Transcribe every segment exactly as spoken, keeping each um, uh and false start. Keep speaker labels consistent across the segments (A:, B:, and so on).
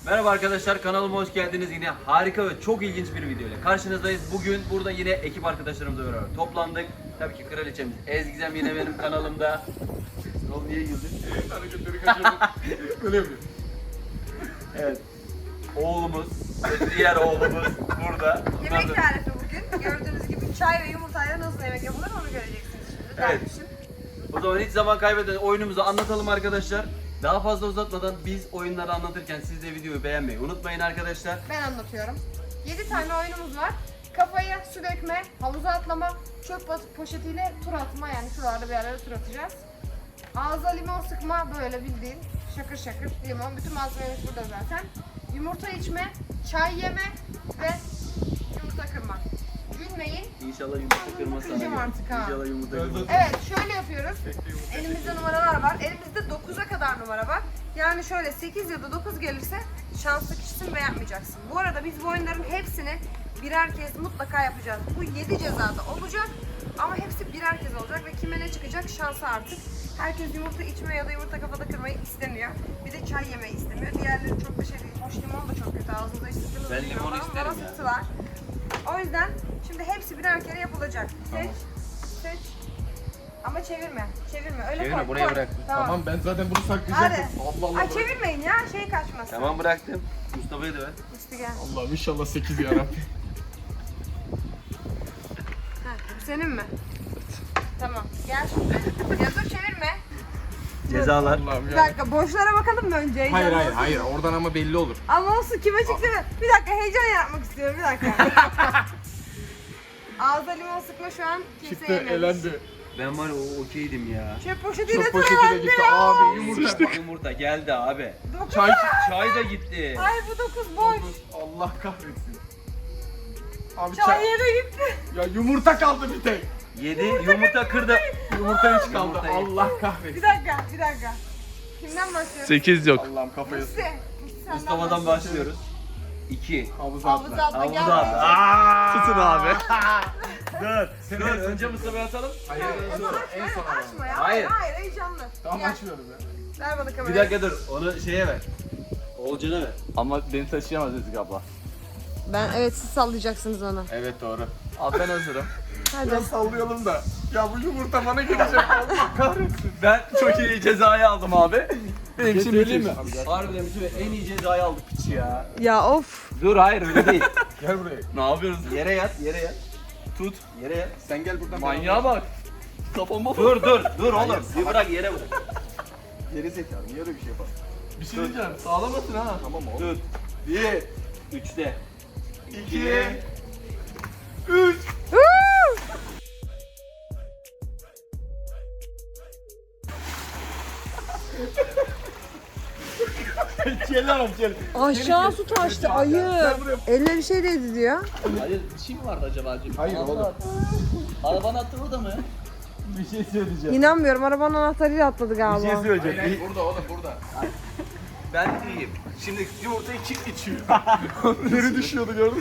A: Merhaba arkadaşlar, kanalıma hoş geldiniz. Yine harika ve çok ilginç bir video ile karşınızdayız. Bugün burada yine ekip arkadaşlarımızla beraber toplandık. Tabii ki kraliçemiz Ezgizem yine benim kanalımda. Oğlum niye güldün?
B: Hareketleri kaçırdım. Öyle yapıyor.
A: Evet. Oğlumuz ve diğer oğlumuz burada. Bunlar
C: Yemek
A: da-
C: tarifi bugün. Gördüğünüz gibi çay ve yumurtayla nasıl yemek yapılır onu göreceksiniz şimdi.
A: Evet.
C: Dermişim.
A: O zaman hiç zaman kaybeden oyunumuzu anlatalım arkadaşlar. Daha fazla uzatmadan biz oyunları anlatırken siz de videoyu beğenmeyi unutmayın arkadaşlar.
C: Ben anlatıyorum. yedi tane oyunumuz var. Kafaya su dökme, havuza atlama, çöp bas- poşetiyle tur atma, yani şuralarda bir yerlere tur atacağız. Ağza limon sıkma, böyle bildiğin şakır şakır limon. Bütün malzememiz burada zaten. Yumurta içme, çay yeme ve yumurta kırma. Gülmeyin.
A: İnşallah yumurta kırmaz sana.
C: Kıracağım
A: göre.
C: artık ha.
A: İnşallah yumurta kırmaz.
C: Evet, şöyle yapıyoruz. Elimizde numaralar var. Elimizde dokuza kadar numara var. Yani şöyle sekiz ya da dokuz gelirse şanslı kişisin ve yapmayacaksın. Bu arada biz bu oyunların hepsini birer kez mutlaka yapacağız. Bu yedi cezada olacak ama hepsi birer kez olacak ve kime ne çıkacak şansı artık. Herkes yumurta içme ya da yumurta kafada kırmayı istemiyor. Bir de çay yemeyi istemiyor. Diğerleri çok da şey değil. Hoş limon da çok kötü. Ağzınıza içtiğiniz
A: Ben limon isterim ya.
C: sıktılar. O yüzden şimdi hepsi birer kere yapılacak. Seç, seç. Ama çevirme, çevirme. Öyle
A: Çevirme,
C: koy,
A: buraya
C: koy.
A: bırak.
B: Tamam ben zaten bunu
C: Hadi.
B: saklayacaktım. Allah Allah.
C: Ay çevirmeyin ya, şey kaçmasın.
A: Tamam bıraktım. Mustafa'yı da ver.
C: İşte gel.
B: Allah'ım inşallah sekiz yarabbim.
C: Ha, bu senin mi? Tamam, gel şimdi. Ya dur çevirme.
A: Cezalar.
B: Allah'ım
C: Bir
B: ya.
C: dakika, boşlara bakalım mı önce?
B: Hayır
C: Heyecanlı
B: hayır
C: olsun.
B: hayır oradan ama belli olur.
C: Ama olsun, kime çıktı mı? Bir dakika, heyecan yaratmak istiyorum, bir dakika. Ağza limon sıkma şu an kimse
B: Çıktı
C: yememiş.
B: elendi.
A: Ben var ya o okeydim ya.
C: Çöp poşetiyle
B: Çok poşeti de
C: tırmandı
B: gitti
C: ya.
B: abi yumurta.
A: Yumurta, yumurta geldi abi.
C: Dokuz.
B: Çay.
A: Çay da gitti.
C: Ay bu dokuz boş.
B: Allah kahretsin. Abi
C: Çay
B: çay.
C: yere gitti.
B: Ya yumurta kaldı bir tek.
A: Yedi, yumurta kırdı.
B: Yumurta hiç kaldı.
A: Yumurta-
B: Allah
C: Bir
B: kahretsin.
C: dakika, bir dakika. Kimden başlıyoruz?
D: sekiz yok.
B: Allah'ım kafayı
C: Musti. Musti senden
A: Mustafa'dan
C: başlıyoruz.
A: başlıyoruz. İki.
B: havuza
C: Havuza
B: atla.
C: atla, gel.
A: Havuza at.
D: Tutun abi.
A: Dur. Dur. Önce Mustafa'ya atalım.
B: Hayır
C: En
B: en
C: son
B: son.
C: aç,
B: En son ama.
C: açma ya.
A: Hayır.
C: Hayır, hayır, heyecanlı.
B: Tamam
C: Gel,
B: açmıyorum ya.
C: ver bana kamerayı.
A: Bir dakika dur. Onu şeye ver. Oğulcan'a ver.
D: Ama beni taşıyamaz Ezgi abla.
C: Ben, evet, siz sallayacaksınız onu.
B: Evet doğru.
D: Abi ben hazırım.
C: Hadi.
B: Biraz sallayalım da. Ya bu yumurta bana gelecek. Allah kahretsin.
D: Ben çok iyi cezayı aldım abi. Benim için
B: Söyleyeyim
D: müthiş.
B: mi?
A: Harbiden bütün en iyi cezayı aldık piçi ya.
C: Ya of.
A: Dur hayır öyle değil.
B: Gel buraya.
D: Ne yapıyoruz?
A: Yere yat, yere yat.
D: Tut.
A: Yere yat.
B: Sen gel buradan.
D: Manyağa bak. Kafama bak.
A: Dur dur dur oğlum. Bir bırak yere bırak.
B: Geri zekalı. Niye öyle bir şey yapalım?
D: Bir şey diyeceğim. Sağlamasın ha.
B: Tamam oğlum.
A: Tut.
B: Bir,
A: Üçte.
B: iki, üç.
A: Gel gel.
C: Aşağı su taştı ayı. Elle bir şey değdi diyor.
D: Hayır bir şey mi vardı acaba acaba?
B: Hayır oğlum.
D: Arabanın attığı orada mı?
A: Bir şey söyleyeceğim.
C: İnanmıyorum, arabanın anahtarıyla atladı
A: Bir
C: galiba.
A: şey
B: Hayır,
A: söyleyeceğim.
B: hayır, burada oğlum burada.
D: Ben iyiyim. Şimdi yumurtayı kim içiyor?
B: Deri düşüyordu gördün mü?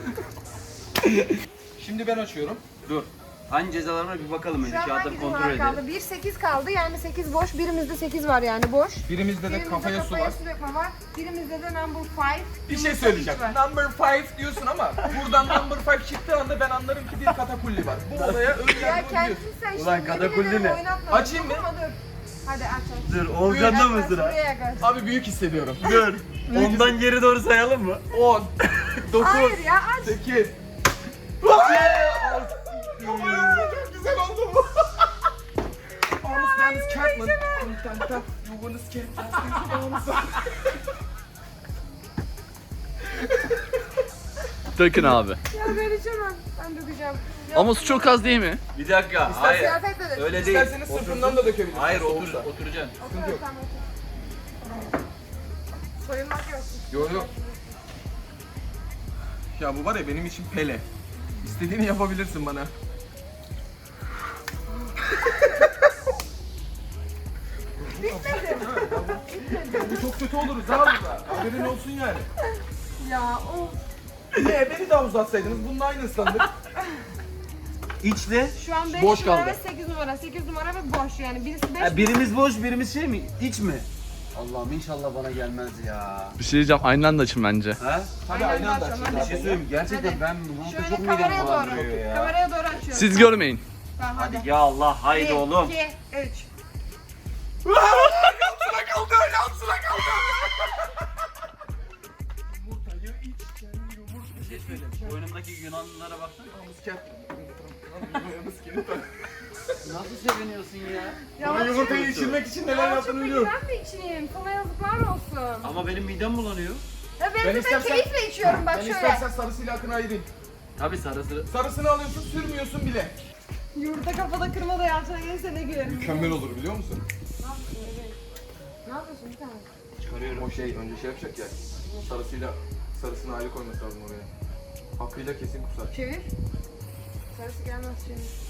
B: Şimdi ben açıyorum.
A: Dur. Hangi cezalarına bir bakalım önce.
C: Şu an
A: Kağıtları
C: hangi
A: kontrol
C: numara
A: edelim.
C: kaldı? bir sekiz kaldı, yani sekiz boş. Birimizde sekiz var, yani boş.
B: Birimizde de
C: Birimizde
B: kafaya su var.
C: su dökme var. Birimizde de number five.
B: Bir şey
C: yumurta
B: söyleyeceğim.
C: üç var.
B: Number five diyorsun ama buradan number five çıktığı anda ben anlarım ki bir katakulli var. Bu olaya
C: Ya
B: önyargılı diyorsun.
C: kendisi sen
A: Ulan
C: şimdi
A: katakulli
C: yemin ederim
A: ne?
C: oynatma.
B: Açayım mı?
C: Dokunma, dur. Hadi aç aç.
A: Dur. Oğulcan'da mı
C: Yaklaş,
A: sıra?
C: buraya yaklaş.
B: Abi büyük hissediyorum.
A: Dur. Ondan geri doğru sayalım mı?
B: on, dokuz,
C: Hayır ya, aç.
B: sekiz. Çok güzel oldu bu. Honest Dennis Catman. Kontanta. You wanna skate?
D: Dökün abi.
C: Ya ben içemem. Ben dökeceğim. Ya,
D: Ama su çok az değil mi?
A: Bir dakika. Hayır.
C: kıyafetle dök.
A: Öyle değil.
B: İsterseniz sırtından da dökebilirsiniz.
A: Hayır otur,
B: Soğuksa.
A: oturacaksın.
C: Otur, tamam, otur. Soyunmak yok.
B: Yok yok. Ya bu var ya benim için Pele. İstediğini yapabilirsin bana. Bu çok kötü oluruz ha burada. Haberin olsun yani.
C: Ya of.
B: Ne beni de uzatsaydınız bunun aynı ıslandık.
A: İçle.
C: Şu an beş
B: Boş
C: numara
B: kaldı.
C: ve sekiz numara. sekiz numara ve boş, yani birisi beş.
A: Ha, birimiz boş, birimiz şey mi? İç mi? Allah'ım inşallah bana gelmez ya.
E: Bir şey diyeceğim, aynı anda açın bence.
A: Ha?
B: Hadi
C: Aynen,
B: aynı anda
C: açalım,
B: açacağız.
A: Bir şey söyleyeyim mi? Gerçekten
C: Hadi.
A: ben bu
C: Şöyle
A: çok midem
C: kameraya
A: bulandırıyor
C: doğru.
A: ya.
C: Kameraya doğru açıyorum.
E: Siz görmeyin.
C: Tamam hadi.
A: Hadi ya Allah haydi
C: Bir,
A: oğlum.
C: iki, üç.
B: Altına kaldı, altına kaldı. Yumurtayı içken yumurta.
A: Bir şey söyleyeyim. Boynumdaki Yunanlılara baksana. Nasıl seviniyorsun ya?
B: Bana yumurtayı içirmek için neler yaptığını biliyorum.
C: Ben mi içeyim? Sana yazıklar olsun.
A: Ama benim midem bulanıyor.
C: Ya ben,
B: Ben
C: de
B: istersen-
C: keyifle içiyorum bak
B: Ben
C: şöyle.
B: istersen sarısıyla akını ayırayım.
A: Tabii sarısı.
B: Sarısını alıyorsun, sürmüyorsun bile.
C: Yumurta kafada kırma da yalçına gelirse ne gülerim.
B: Mükemmel olur biliyor musun?
C: Ne yapıyorsun bebeğim? Ne yapıyorsun bir tane?
A: Çıkarıyorum.
B: O şey önce şey yapacak ya. Sarısıyla sarısını ayrı koyması lazım oraya. Hakkıyla kesin kusar.
C: Çevir. Sarısı gelmez çevir.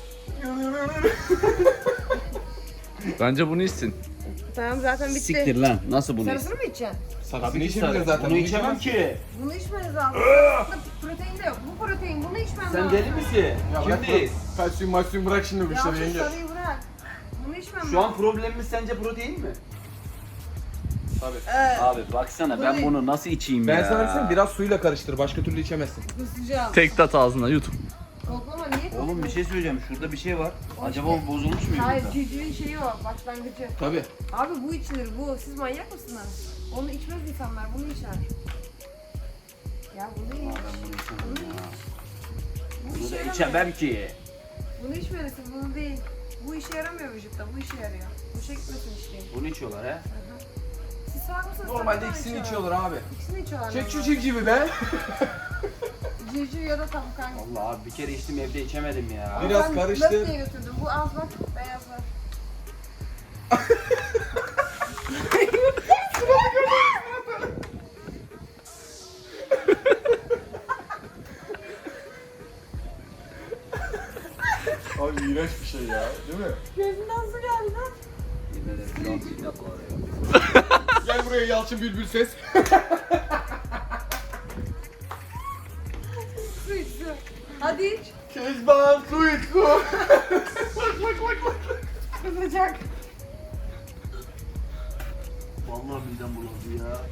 E: Bence bunu içsin.
C: Tamam zaten bitti.
A: Siktir lan. Nasıl bunu?
C: Sarısını mı içeceksin?
B: Sarısını içebilir zaten.
A: Bunu içemem ki.
C: Bunu içmeniz lazım. Sarısında protein de yok. Bu protein. Bunu içmen lazım.
A: Sen deli misin?
B: Ya bırak
A: Kimdeyiz?
B: bu kalsiyum malsiyum bırak şimdi bu
C: Ya
B: işleri
C: şu
B: yenge.
C: sarıyı bırak. Bunu içmem
A: Şu an
C: lazım.
A: problemimiz sence protein mi?
B: Tabii.
C: Evet.
A: Abi baksana ben
C: Bunu-
A: bunu nasıl içeyim
B: Ben
A: ya?
B: sana söyleyeyim biraz suyla karıştır. Başka türlü içemezsin.
C: Kusacağım.
E: Tek tat ağzına yut.
C: Koklama niye kokluyor?
A: Oğlum bir şey söyleyeceğim. Şurada bir şey var.
C: O
A: Acaba
C: işte-
A: o bozulmuş mu
C: Hayır
A: yumurta?
C: civcivin şeyi o. Başlangıcı.
B: Tabii.
C: Abi bu içilir bu. Siz manyak mısınız? Onu içmez insanlar. Bunu içer. Ya bunu iç.
A: Ben bunu içemem
C: Bunu
A: ya.
C: iç. Bu
A: Bunu
C: işe
A: da
C: yaramıyor.
A: içemem ki.
C: Bunu içmelisin. Bunu değil. Bu işe yaramıyor vücutta. Bu işe yarıyor. Bu şey gitmesin içtiğin.
A: Bunu içiyorlar he.
C: Siz salak mısınız?
B: Normalde
C: Tavuktan
B: ikisini
C: içiyorlar.
B: içiyorlar abi.
C: İkisini içiyorlar.
B: Çek şu
C: normalde.
B: civcivi be.
C: Civciv ya da tavuk hangisi?
A: Allah abi bir kere içtim evde içemedim ya.
B: Bir- Biraz
C: Ben
B: karıştır.
C: löp diye götürdüm. Bu az bak. Beyazlar.
B: Abi iğrenç bir şey ya. Değil mi?
C: Gözünden su geldi lan.
A: Yemin ederim şu an sinek var ya.
B: Gel buraya Yalçın Bülbül ses.
C: Su iç su. Hadi iç.
B: Kezban su iç su.
C: Kızacak.
A: Vallahi midem bulandı ya.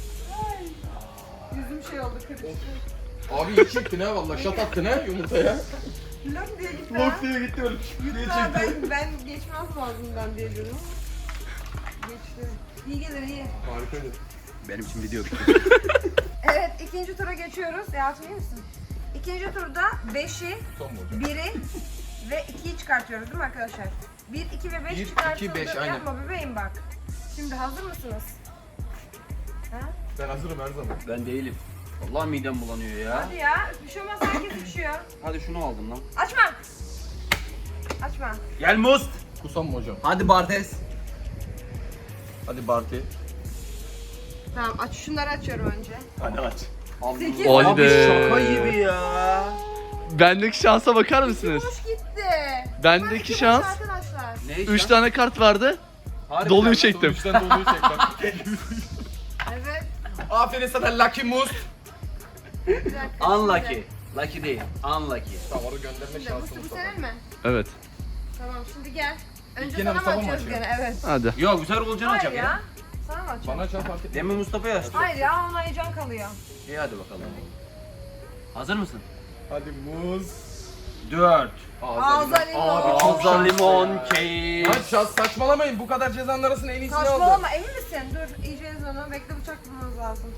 C: Yüzüm şey oldu kırıştı.
B: Abi iyi çektin ha valla şat attın ha yumurtaya.
C: Lok diye gitti
B: Lok
C: ha.
B: diye gitti öyle diye
C: Lütfen
B: çekti.
C: ben, ben geçmez boğazımdan diye dedim. Geçti. İyi gelir iyi.
B: Harikaydı.
A: Benim için video bitti.
C: Evet ikinci tura geçiyoruz. Yalçın iyi misin? İkinci turda beşi,
B: Son mu hocam?
C: biri ve ikiyi çıkartıyoruz değil mi arkadaşlar? bir, iki ve beş
B: Bir, iki,
C: çıkartıldı.
B: beş, aynen.
C: Yapma bebeğim bak. Şimdi hazır mısınız? Ha?
B: Ben hazırım her zaman.
A: Ben değilim. Vallahi midem bulanıyor ya.
C: Hadi ya. Bir şey olmaz herkes içiyor.
A: Hadi şunu aldım lan.
C: Açma. Açma.
A: Gel Must.
B: Kusam mı hocam?
A: Hadi Bartes.
B: Hadi Barty.
C: Tamam aç. Şunları açıyorum önce.
B: Hadi aç.
C: Sekiz.
E: Haydi.
A: Abi şaka gibi ya.
E: Bendeki şansa bakar mısınız?
C: Boş gitti.
E: Bendeki
C: Hadi iki
E: şans-
C: boş arkadaşlar.
A: Ne iş
E: Üç
A: lan?
E: tane kart vardı.
A: Harbiden
E: Doluyu
A: lan.
E: çektim.
B: Üçten doluyu çek bak.
C: Evet.
B: Aferin sana Lucky Must.
C: Bir dakika,
A: Unlucky.
C: şimdi.
A: Lucky değil. Unlucky.
B: Tamam onu gönderme
C: Şimdi bu
B: şansımız
C: bu
B: var.
C: senin mi?
E: Evet.
C: Tamam şimdi gel. Önce
B: Gene
C: sana mı
B: Mustafa mı
C: açıyoruz
B: açıyor?
C: gene? Evet.
E: Hadi.
A: Yok güzel olacağını
C: Hayır
A: açak
C: ya.
A: ya.
C: Sana mı açıyoruz?
B: Bana çal fark etmez.
A: Demin Mustafa'ya açtı.
C: Hayır ya ona heyecan kalıyor.
A: İyi hadi bakalım. Hazır mısın?
B: Hadi muz.
A: Dört.
C: Ağza limon.
B: Abi çok
A: Ağza
B: şanslı
A: limon
B: ya.
A: keyif.
B: Lan şans saçmalamayın bu kadar cezanın arasında en iyisini aldı.
C: Saçmalama emin misin? Dur yiyeceğiz onu. Bekle bıçak bulmamız lazım.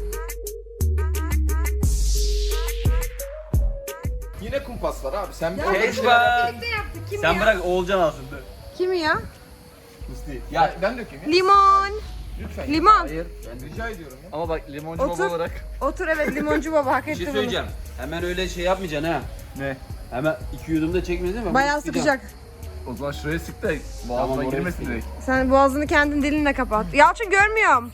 B: Yine kumpas var abi sen
C: Ya
B: orada bir
A: Keşke-
B: şeyler yap.
C: birlikte yaptık. Kim
A: Sen
C: ya?
A: bırak Oğulcan alsın. dur.
C: Kimi ya?
B: Musti. Ya ben dökeyim ya.
C: Limon.
B: Lütfen.
C: Limon.
A: Hayır. Ben
B: Rica ediyorum ya.
E: Ama bak limoncu
C: Otur.
E: baba olarak.
C: Otur evet limoncu baba hak
A: Bir
C: etti
A: şey
C: bunu.
A: söyleyeceğim. Hemen öyle şey yapmayacaksın ha.
E: Ne?
A: Hemen iki yudumda çekmeyeceksin değil mi?
C: Bayağı
A: Sıkacağım.
C: sıkacak.
E: O zaman şuraya sık da
A: Tamam,
E: boğazına
A: oraya
E: girmesin
A: sıkayım.
E: direkt.
C: Sen boğazını kendin dilinle kapat. Yalçın görmüyorum.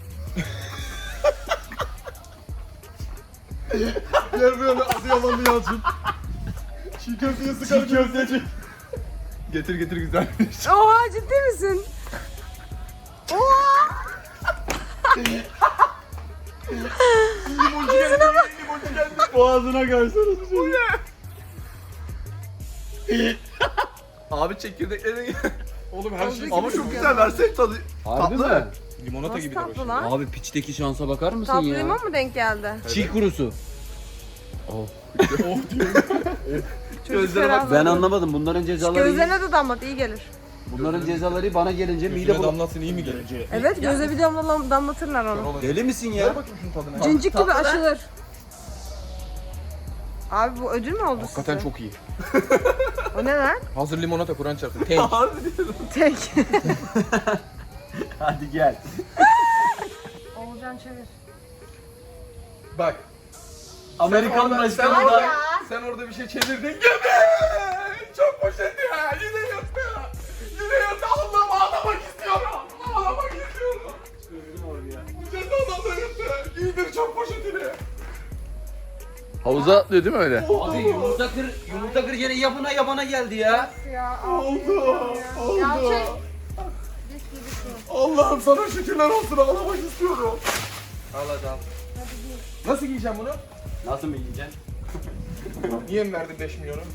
B: Gel böyle Adıyamanlı Yalçın. Çiğ köfteye sıkar Çiğ köfteci. Getir getir güzelmiş.
C: Oha ciddi misin? Oha!
B: Limoncu geldi. Limoncu geldi.
E: Boğazına kaysana. Bu ne? Abi çekirdeklerini
B: Oğlum her şey
E: ama çok güzel versek tadı.
A: Harbi
E: Tatlı.
A: mi?
B: Limonata
C: Nasıl
B: gibi
C: tatlı
B: de
C: lan?
A: Abi piçteki şansa bakar mısın
C: Tatlı
A: ya?
C: limon mu denk geldi?
A: Çiğ kurusu.
B: Oh diyorum.
C: Çocuk
A: Ben
C: ferahladı.
A: anlamadım. Bunların cezaları iyi.
C: Gözlerine de damlat iyi gelir.
A: Bunların cezaları bana gelince mide
B: Yüzüne
A: bulan.
B: damlatsın iyi mi gelir?
C: Evet göze bir damla damlatırlar onu.
A: Deli misin
B: Ver
A: ya?
B: bakayım şunun tadına.
C: Cincik gibi aşılır. Abi bu ödül mü oldu
B: Hakikaten
C: size?
B: çok iyi.
C: O ne lan?
B: Hazır limonata Kur'an çarptı. Tank.
C: Tek.
A: Hadi gel.
C: Oğulcan çevir.
B: Bak.
A: Amerikan
B: orada-
A: başkanı
B: sen
A: da.
B: orada- Sen orada bir şey çevirdin. Gibi. Çok poşet ya. Yine yırttı. Yine yırttı. Allah'ım ağlamak istiyorum. Ağlamak istiyorum. Cezadan da yırttı. Giydir çok poşetini.
E: Havuza atlıyor değil mi öyle?
A: Abi yumurta kır, yumurta kır yine yapına yabana geldi ya.
C: Ya
B: Oldu. Oldu.
C: Yalçın.
B: Allah'ım sana şükürler olsun. Ağlamak istiyorum.
A: Al hadi al.
B: Nasıl giyeceğim bunu?
A: Nasıl mı yiyeceksin?
B: Niye mi verdin beş milyonu?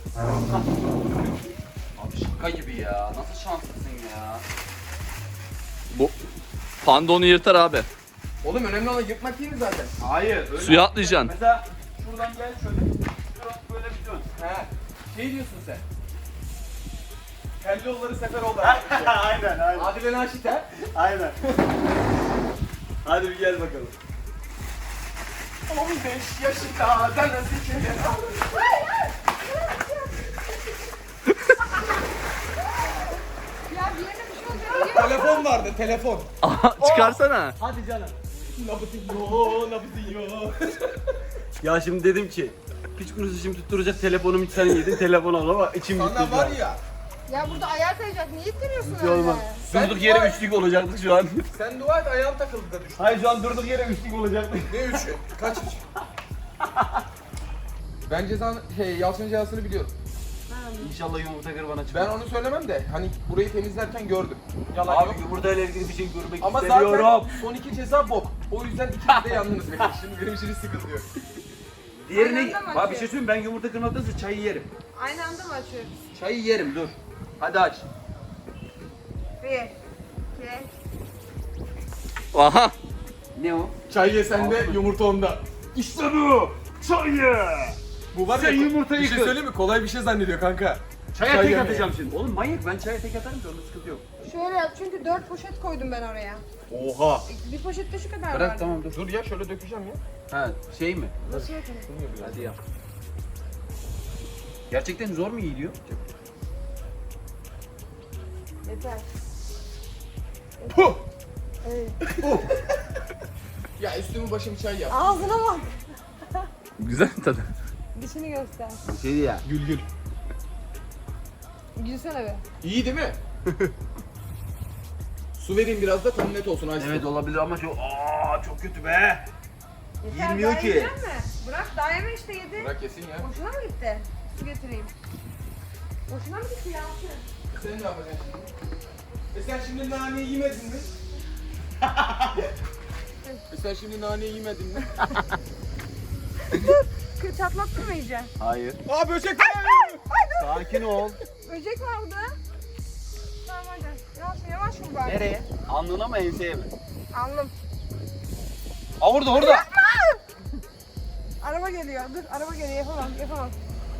A: Abi şaka gibi ya. Nasıl şanslısın ya?
E: Bu panda onu yırtar abi.
B: Oğlum önemli olan yırtmak değil mi zaten?
A: Hayır. Öyle
E: Suya atlayacaksın.
A: Mesela şuradan gel şöyle. Şuradan böyle bir dön.
B: He. Şey diyorsun sen. Kelloğulları sefer oldu.
A: aynen aynen.
B: Adile Naşit he?
A: Aynen. Hadi bir gel bakalım.
B: on beş yaşında da nasıl kere
C: Ya bir yerine bir şey olacak.
B: Telefon vardı telefon.
E: Aha, çıkarsana.
A: Hadi canım.
B: Nabızıyor, nabızıyor.
A: Ya şimdi dedim ki piç kurusu şimdi tutturacak telefonumu hiç sen yedin telefon al ama içim gitti.
B: Sana var ya,
C: Ya burada ayağa kayacak. Niye ittiriyorsun
A: Hiç
C: öyle?
A: olmaz.
B: Sen
A: Durduk yere
B: var-
A: üçlük olacaktık şu an.
B: sen dua et ayağın takıldı da düştü.
A: Hayır şu an durduk yere üçlük olacaktık.
B: Ne üçü? Kaç üç? Ben cezanı, şey, Yalçın'ın cezasını biliyorum.
A: İnşallah yumurta kır bana çıkar.
B: Ben onu söylemem de, hani burayı temizlerken gördüm. Yalan
A: Abi
B: yok.
A: yumurta ile ilgili bir şey görmek
B: Ama
A: istemiyorum.
B: zaten son iki ceza bok. O yüzden ikiniz de yandınız benim. Şimdi benim için hiç sıkıntı yok.
A: Diğerini...
C: Aynı anda mı
A: Abi bir şey
C: açıyor?
A: söyleyeyim ben yumurta kırmaktansa çayı yerim.
C: Aynı anda mı açıyoruz?
A: Çayı yerim dur. Hadi aç.
C: Bir, iki,
E: Aha.
A: Ne o?
B: Çay ye sende, yumurta onda.
A: İşte bu. Çayı.
B: Bu var
A: Sen
B: ya,
A: yumurtayı
B: bir şey
A: kır.
B: söyleyeyim mi? Kolay bir şey zannediyor kanka.
A: Çaya
B: Çay
A: tek
B: yemeye.
A: atacağım şimdi. Oğlum manyak ben çaya tek atarım ki onda sıkıntı yok.
C: Şöyle yap çünkü dört poşet koydum ben oraya.
B: Oha.
C: Bir poşette şu kadar
A: Bırak
C: vardı.
A: tamam dur.
B: Dur ya şöyle dökeceğim ya.
A: Ha şey mi?
C: Nasıl yapayım?
A: Hadi yap. Gerçekten zor mu yiyiliyor?
C: Yeter.
B: Puh!
C: Evet.
B: Ya üstümü başımı çay yap.
C: Ağzına bak.
E: Güzel mi tadı?
C: Dişini göster.
A: Şey ya.
B: Gül gül.
C: Gülsene be.
B: İyi değil mi? Su vereyim biraz da tam net olsun. Ayşe.
A: Evet olabilir ama çok aa çok kötü be.
C: Yeter,
A: Yemiyor
C: daha
A: ki.
C: yiyecek mi? Bırak daha yeme işte yedi.
B: Bırak yesin ya.
C: Boşuna mı gitti? Su getireyim. Boşuna mı gitti ya?
B: Sen ne yapacaksın şimdi? E sen şimdi naneyi yemedin mi? e sen şimdi naneyi yemedin mi?
C: Kır çatlattın mı iyice?
A: Hayır.
B: Aa böcek var!
A: Sakin ol.
C: Böcek vardı. Tamam hadi. Yavaş yavaş vur bari.
A: Nereye? Alnına mı enseye mi?
C: Alnım.
A: Aa orada orada.
C: Araba geliyor. Dur araba geliyor. Yapamam yapamam.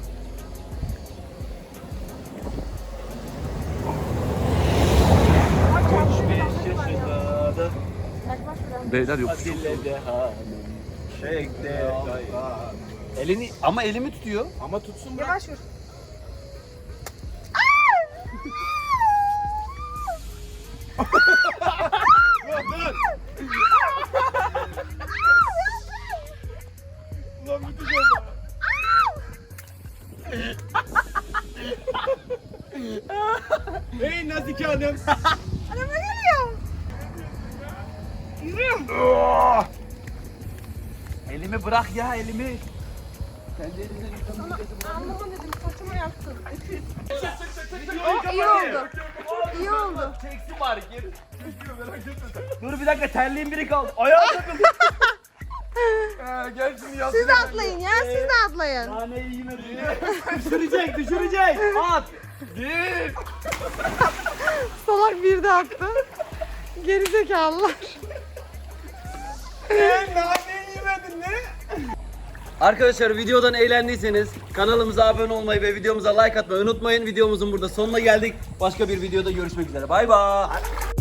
C: Bak, çarptı, çarptı var ya. Yaklaş biraz.
E: Beyler yok.
A: Atilla Dehan'ım. Çekte. Elini ama elimi tutuyor.
B: Ama tutsun bırak.
C: Yavaş vur.
B: Ulan müthiş oldu. Hey Nazike Hanım.
C: Araba geliyor. Yürü.
A: Elimi bırak ya elimi. Kendi elinden
C: Sana anlama dedim. Saçıma yaktın. Öküz. Oh, iyi oldu. İyi oldu.
A: Çeksi var geri. Dur bir dakika terliğin biri kaldı. Ayağa takıldı.
B: Ee, gel şimdi yaz.
C: Siz de atlayın ya. Siz de atlayın.
A: Naneyi yemedi. düşürecek düşürecek. At.
B: Bir.
C: Salak bir de attı. Gerizekalılar.
B: Ne? Nane yemedin ne?
A: Arkadaşlar videodan eğlendiyseniz kanalımıza abone olmayı ve videomuza like atmayı unutmayın. Videomuzun burada sonuna geldik. Başka bir videoda görüşmek üzere. Bay bay.